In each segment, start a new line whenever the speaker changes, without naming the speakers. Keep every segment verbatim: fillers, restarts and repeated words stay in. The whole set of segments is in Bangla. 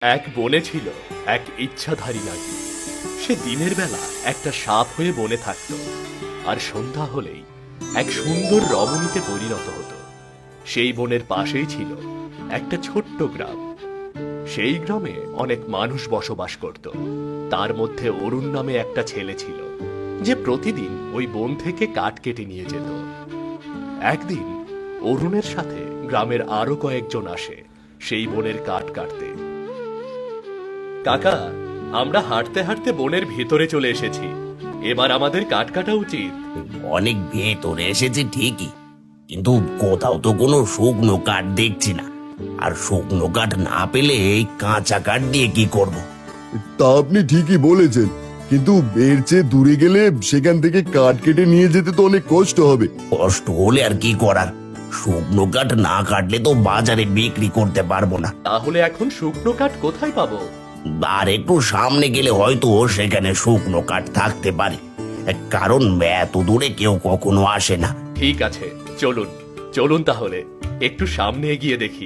এক বনে ছিল এক ইচ্ছাধারী নাগী। সে দিনের বেলা একটা সাপ হয়ে বনে থাকত, আর সন্ধ্যা হলেই এক সুন্দর রমণীতে পরিণত হতো। সেই বনের পাশেই ছিল একটা ছোট্ট গ্রাম। সেই গ্রামে অনেক মানুষ বসবাস করত। তার মধ্যে অরুণ নামে একটা ছেলে ছিল, যে প্রতিদিন ওই বন থেকে কাঠ কেটে নিয়ে যেত। একদিন অরুণের সাথে গ্রামের আরো কয়েকজন আসে সেই বনের কাঠ কাটতে। কাকা, আমরা হাঁটতে হাঁটতে বনের ভিতরে চলে এসেছি, এবার আমাদের কাঠ কাটা উচিত।
অনেক ভেতরে এসেছে ঠিকই, কিন্তু কোথাও তো কোনো শুকনো কাঠ দেখছি না। আর শুকনো কাঠ না পেলে এই কাঁচা কাঠ দিয়ে কি করব?
তা আপনি ঠিকই বলেছেন, কিন্তু এর চেয়ে দূরে গেলে সেখান থেকে কাঠ কেটে নিয়ে যেতে তো অনেক কষ্ট হবে।
কষ্ট হলে আর কি করার, শুকনো কাঠ না কাটলে তো বাজারে বিক্রি করতে পারবো না।
তাহলে এখন শুকনো কাঠ কোথায় পাবো?
আর একটু সামনে গেলে হয়তো সেখানে শুকনো কাঠ থাকতে পারে, কারণ এত দূরে কেউ কখনো আসে না।
ঠিক আছে, চলুন চলুন তাহলে একটু সামনে এগিয়ে দেখি।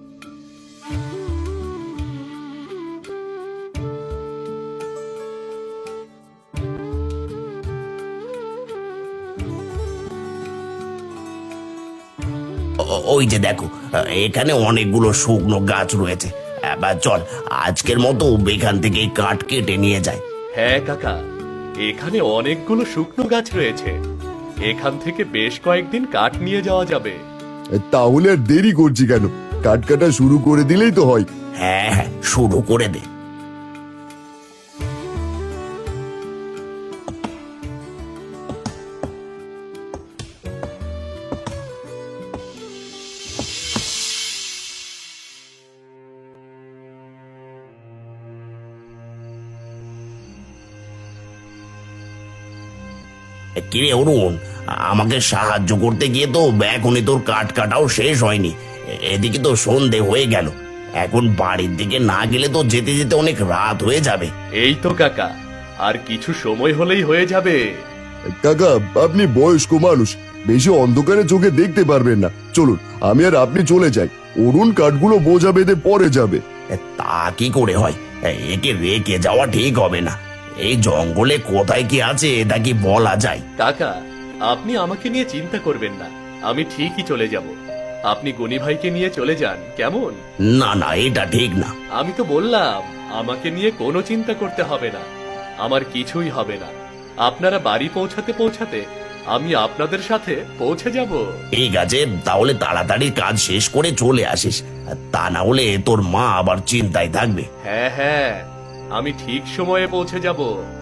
ও- ওই যে দেখো, এখানে অনেকগুলো শুকনো গাছ রয়েছে। এবার চল, আজকের মতো এখান থেকে কাঠ কেটে নিয়ে যায়।
হ্যাঁ কাকা, এখানে অনেকগুলো শুকনো গাছ রয়েছে, এখান থেকে বেশ কয়েকদিন কাঠ নিয়ে যাওয়া যাবে।
তাহলে আর দেরি করছি কেন? কাঠ কাটা শুরু করে দিলেই তো হয়।
হ্যাঁ হ্যাঁ, শুরু করে দে। কিরে অরুণ, আমাকে সাহায্য করতে গিয়ে তো এখনই তোর কাঠ কাটাও শেষ হয়নি। এ- এদিকে তো সন্ধে হয়ে গেল, এখন বাড়ির দিকে না গেলে তো যেতে যেতে অনেক রাত হয়ে যাবে।
এই তো কাকা, আর কিছু সময় হলেই হয়ে যাবে।
কাকা, আপনি বয়স্ক মানুষ, বেশি অন্ধকারে চোখে দেখতে পারবেন না। চলুন, আমি আর আপনি চলে যাই। অরুণ কাঠগুলো বোঝা বেঁধে পরে যাবে।
এ, তা কি করে হয়? এ, একে রেখে যাওয়া ঠিক হবে না। এই জঙ্গলে কোথায় কি আছে তা কি বলা যায়?
কাকা, আপনি আমাকে নিয়ে চিন্তা করবেন না, আমি ঠিকই চলে যাব। আপনি গনি ভাইকে নিয়ে চলে যান, কেমন?
না না, এটা ঠিক না।
আমি তো বললাম আমাকে নিয়ে কোনো চিন্তা করতে হবে না, আমার কিছুই হবে না। আপনারা বাড়ি পৌঁছাতে পৌঁছাতে আমি আপনাদের সাথে পৌঁছে যাব।
ঠিক আছে, তাহলে তাড়াতাড়ি কাজ শেষ করে চলে আসিস, তা না হলে তোর মা আবার চিন্তায় থাকবে।
হ্যাঁ হ্যাঁ, আমি ঠিক সময়ে পৌঁছে যাব।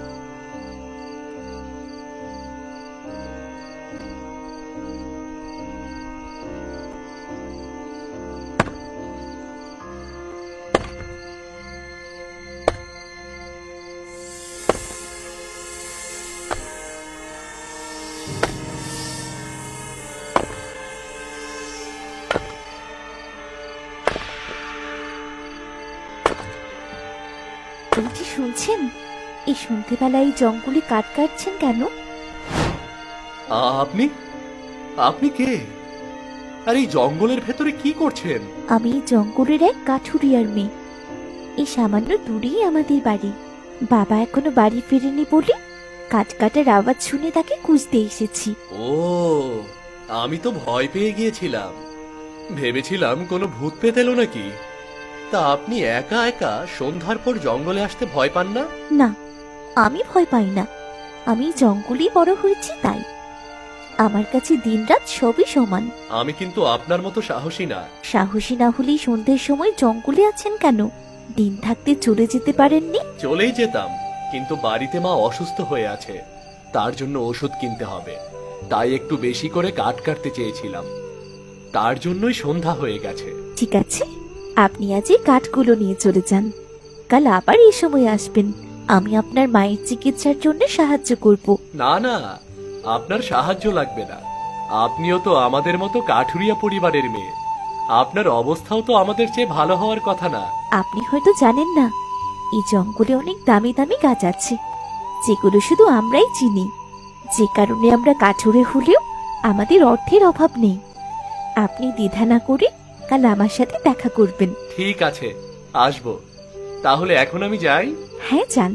এই যে শুনছেন, এই সন্ধ্যেবেলায় এই জঙ্গলে কাঠ কাটছেন কেন?
আ- আপনি আপনি কে? আর এই জঙ্গলের ভেতরে কি করছেন?
আমি এই জঙ্গলের এক কাঠুরিয়ার মেয়ে। এই সামান্য দূরেই আমাদের বাড়ি। বাবা এখনো বাড়ি ফেরেনি বলে কাঠ কাটার আওয়াজ শুনে তাকে খুঁজতে এসেছি।
ও, আমি তো ভয় পেয়ে গিয়েছিলাম, ভেবেছিলাম কোনো ভূত পেত এলো নাকি। তা আপনি একা একা সন্ধ্যার পর জঙ্গলে আসতে ভয় পান না?
না, আমি ভয় পাই না। আমি জঙ্গলেই বড় হয়েছি, তাই আমার কাছে দিনরাত সবই সমান।
আমি কিন্তু আপনার মতো সাহসী না।
সাহসী না হলেই সন্ধ্যের সময় জঙ্গলে আছেন কেন? দিন থাকতে চলে যেতে পারেননি?
চলেই যেতাম, কিন্তু বাড়িতে মা অসুস্থ হয়ে আছে, তার জন্য ওষুধ কিনতে হবে, তাই একটু বেশি করে কাঠ কাটতে চেয়েছিলাম, তার জন্যই সন্ধ্যা হয়ে গেছে।
ঠিক আছে, আপনি আজ এই কাঠগুলো নিয়ে চলে যান। কাল আবার এই সময় আসবেন, আমি আপনার মায়ের চিকিৎসার জন্য সাহায্য করব।
না না, আপনার সাহায্য লাগবে না, আপনিও তো আমাদের মতো কাঠুরিয়া পরিবারের মেয়ে, আপনার অবস্থাও তো আমাদের চেয়ে ভালো হওয়ার কথা না?
আপনি হয়তো জানেন না, এই জঙ্গলে অনেক দামি দামি গাছ আছে, যেগুলো শুধু আমরাই চিনি, যে কারণে আমরা কাঠুরে হলেও আমাদের অর্থের অভাব নেই। আপনি দ্বিধা না করে কাল আমার সাথে দেখা করবেন।
ঠিক আছে, আসবো, তাহলে এখন আমি যাই।
হ্যাঁ যান।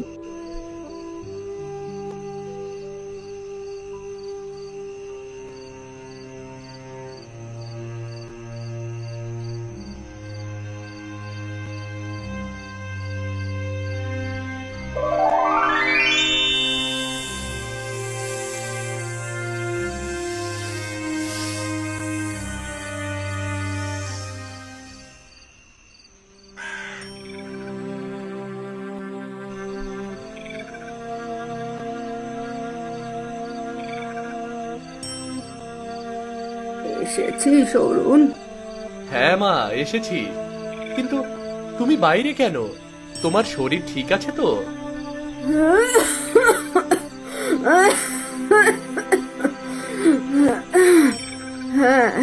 এসেছিস অরুণ?
হ্যাঁ মা, এসেছি। কিন্তু তুমি বাইরে কেন? তোমার শরীর ঠিক আছে তো?
হ্যাঁ,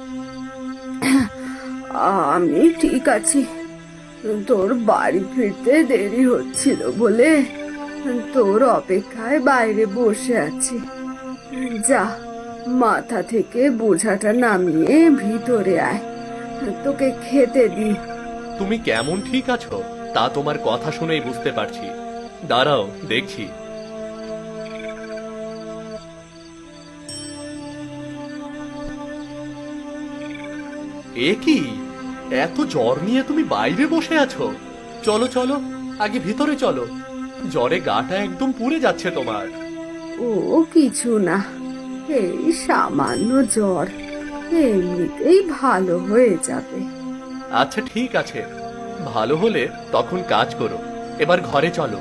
আমি ঠিক আছি। তোর বাড়ি ফিরতে দেরি হচ্ছিল বলে তোর অপেক্ষায় বাইরে বসে আছি। যা, মাথা থেকে বোঝাটা নামিয়ে ভিতরে আয়, তোকে খেতে দি।
তুমি কেমন ঠিক আছো তা তোমার কথা শুনেই বুঝতে পারছি। দাঁড়াও, দেখছি। এ কি, এত জ্বর নিয়ে তুমি বাইরে বসে আছো? চলো চলো, আগে ভিতরে চলো। জ্বরে গাটা একদম পুড়ে যাচ্ছে তোমার।
ও কিছু না, এই সামান্য জ্বর, এমনিতেই ভালো হয়ে যাবে।
আচ্ছা ঠিক আছে, ভালো হলে তখন কাজ করো। এবার ঘরে চলো।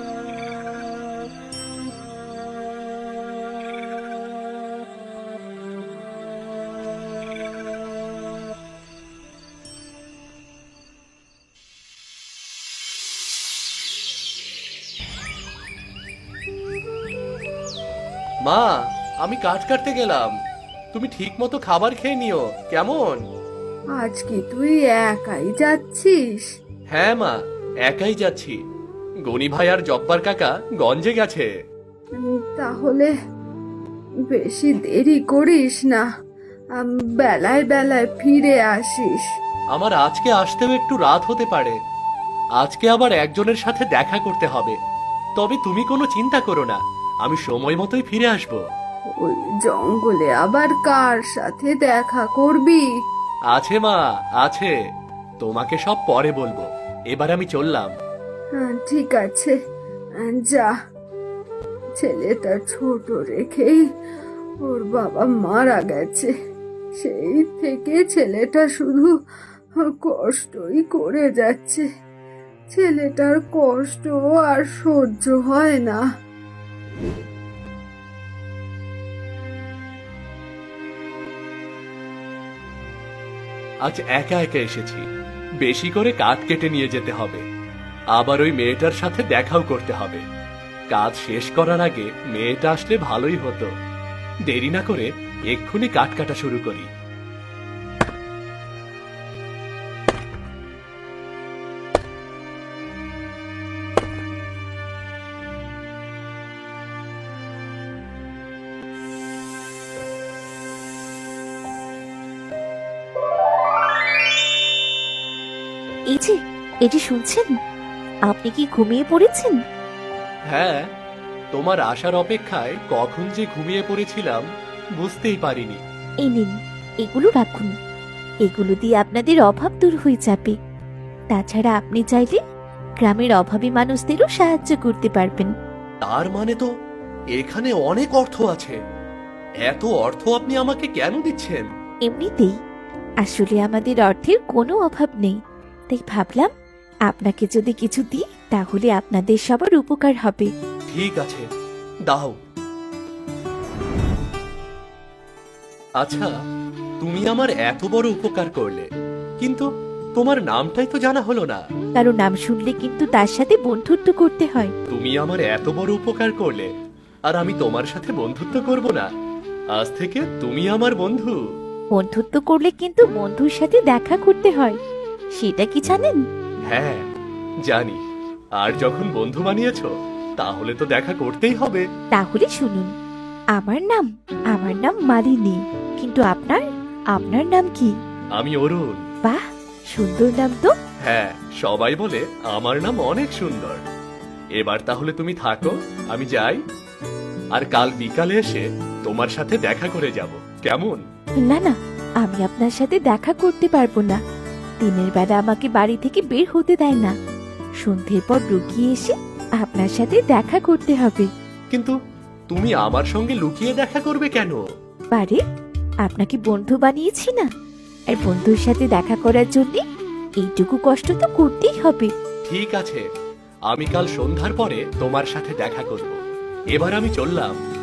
মা, আমি কাজ কাটতে গেলাম। তুমি ঠিক মতো খাবার খেয়ে নিও, কেমন?
আজ কি তুই একাই যাচ্ছিস?
হ্যাঁ মা, একাই যাচ্ছি। গনি ভাই আর জব্বার কাকা গঞ্জে গেছে।
উম, তাহলে বেশি দেরি করিস না, আম, বেলায় বেলায় ফিরে আসিস।
আমার আজকে আসতেও একটু রাত হতে পারে। আজকে আবার একজনের সাথে দেখা করতে হবে। তবে তুমি কোনো চিন্তা করো না, আমি সময় মতোই ফিরে আসব।
ওই জঙ্গলে আবার কার সাথে দেখা করবি?
আছে মা, আছে। তোমাকে সব পরে বলবো। এবার আমি চললাম।
হ্যাঁ, ঠিক আছে, আহ, যা। ছেলেটা ছোট রেখেই ওর বাবা মারা গেছে। সেই থেকে ছেলেটা শুধু কষ্টই করে যাচ্ছে। ছেলেটার কষ্ট আর সহ্য হয় না।
আজ একা একা এসেছি, বেশি করে কাঠ কেটে নিয়ে যেতে হবে। আবার ওই মেয়েটার সাথে দেখাও করতে হবে। কাজ শেষ করার আগে মেয়েটা আসলে ভালোই হতো। দেরি না করে এক্ষুনি কাঠ কাটা শুরু করি।
এই যে, এটি শুনছেন? আপনি কি ঘুমিয়ে পড়েছেন?
হ্যাঁ, তোমার আসার অপেক্ষায় কখন যে ঘুমিয়ে পড়েছিলাম বুঝতেই পারিনি।
এই নিন, এগুলো রাখুন। এগুলো দিয়ে আপনাদের অভাব দূর হয়ে যাবে। তাছাড়া আপনি চাইলে গ্রামের অভাবী মানুষদেরও সাহায্য করতে পারবেন।
তার মানে তো এখানে অনেক অর্থ আছে। এত অর্থ আপনি আমাকে কেন দিচ্ছেন?
এমনিতেই আসলে আমাদের অর্থের কোনো অভাব নেই, তাই ভাবলাম আপনাকে যদি কিছু দিই তাহলে আপনাদের সবার উপকার হবে।
ঠিক আছে, দাও। আচ্ছা, তুমি আমার এত বড় উপকার করলে, কিন্তু তোমার নামটাই তো জানা হলো না।
কারো নাম শুনলে কিন্তু তার সাথে বন্ধুত্ব করতে হয়।
তুমি আমার এত বড় উপকার করলে আর আমি তোমার সাথে বন্ধুত্ব করব না? আজ থেকে তুমি আমার বন্ধু।
বন্ধুত্ব করলে কিন্তু বন্ধুর সাথে দেখা করতে হয়, সেটা কি জানেন?
হ্যাঁ, জানি। আর যখন বন্ধু বানিয়েছো তাহলে তো দেখা করতেই হবে।
তাহলে শুনুন, আমার নাম আমার নাম মালিনী, কিন্তু আপনার আপনার নাম কি?
আমি অরুণ।
বাহ, সুন্দর নাম তো।
হ্যাঁ, সবাই বলে আমার নাম অনেক সুন্দর। এবার তাহলে তুমি থাকো, আমি যাই। আর কাল বিকালে এসে তোমার সাথে দেখা করে যাব, কেমন?
না না, আমি আপনার সাথে দেখা করতে পারবো না। দিনের বেলা আমাকে বাড়ি থেকে বের হতে দেয় না। সন্ধ্যের পর লুকিয়ে এসে আপনার সাথে দেখা করতে হবে।
কিন্তু তুমি আমার সঙ্গে লুকিয়ে দেখা করবে কেন?
পারে, আপনাকে বন্ধু বানিয়েছি না, আর বন্ধুর সাথে দেখা করার জন্য এইটুকু কষ্ট তো করতেই হবে।
ঠিক আছে, আমি কাল সন্ধ্যার পরে তোমার সাথে দেখা করব। এবার আমি চললাম।